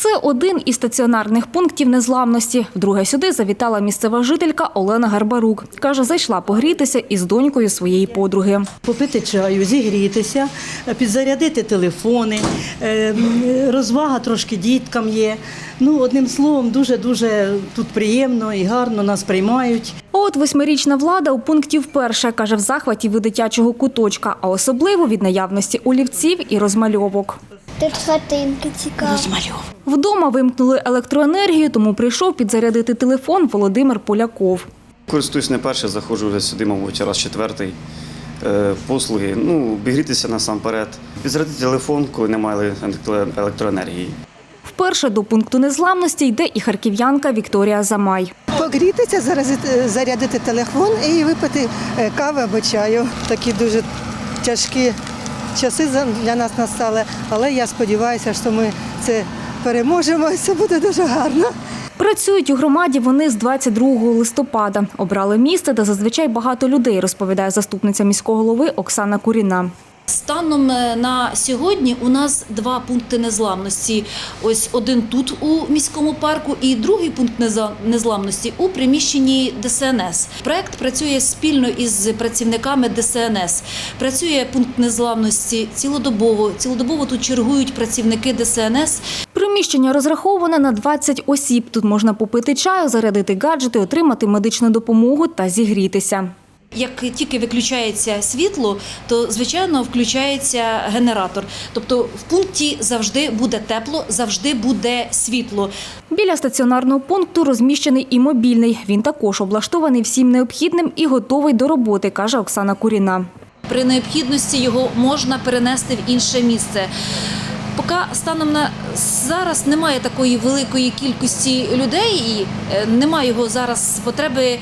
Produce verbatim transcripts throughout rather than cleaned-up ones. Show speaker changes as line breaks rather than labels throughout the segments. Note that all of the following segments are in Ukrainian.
Це один із стаціонарних пунктів незламності. Вдруге сюди завітала місцева жителька Олена Гарбарук. Каже, зайшла погрітися із донькою своєї подруги.
Попити чаю, зігрітися, підзарядити телефони, розвага трошки діткам є. Ну, одним словом, дуже-дуже тут приємно і гарно нас приймають.
А от восьмирічна Влада у пункті вперше, каже, в захваті від дитячого куточка, а особливо від наявності олівців і розмальовок.
Тут хатинки цікаві.
Розмальовок.
Вдома вимкнули електроенергію, тому прийшов підзарядити телефон Володимир Поляков.
Користуюсь не перше, заходжу вже сюди, мабуть, раз четвертий. Послуги, ну, обігрітися насамперед. Підзарядити телефон, коли немає електроенергії.
Вперше до пункту незламності йде і харків'янка Вікторія Замай.
Погрітися, зарядити телефон і випити кави або чаю. Такі дуже тяжкі часи для нас настали, але я сподіваюся, що ми це переможемо і це буде дуже гарно.
Працюють у громаді вони з двадцять другого листопада. Обрали місце, де зазвичай багато людей, розповідає заступниця міського голови Оксана Куріна.
Станом на сьогодні у нас два пункти незламності. Ось один тут у міському парку і другий пункт незламності у приміщенні Де Се Ен Ес. Проект працює спільно із працівниками Де Се Ен Ес. Працює пункт незламності цілодобово. Цілодобово тут чергують працівники Де Се Ен Ес.
Приміщення розраховане на двадцять осіб. Тут можна попити чаю, зарядити гаджети, отримати медичну допомогу та зігрітися.
Як тільки виключається світло, то, звичайно, включається генератор. Тобто в пункті завжди буде тепло, завжди буде світло.
Біля стаціонарного пункту розміщений і мобільний. Він також облаштований всім необхідним і готовий до роботи, каже Оксана Куріна.
При необхідності його можна перенести в інше місце. Поки станом на зараз немає такої великої кількості людей і немає його зараз потреби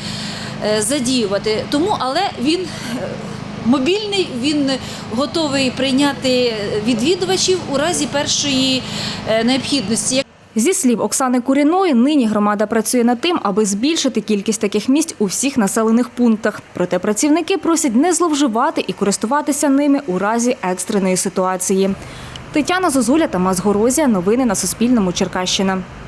задіювати. Тому, але він мобільний, він готовий прийняти відвідувачів у разі першої необхідності.
Зі слів Оксани Куріної, нині громада працює над тим, аби збільшити кількість таких місць у всіх населених пунктах. Проте працівники просять не зловживати і користуватися ними у разі екстреної ситуації. Тетяна Зозуля, Тамас Горозія. Новини на Суспільному. Черкащина.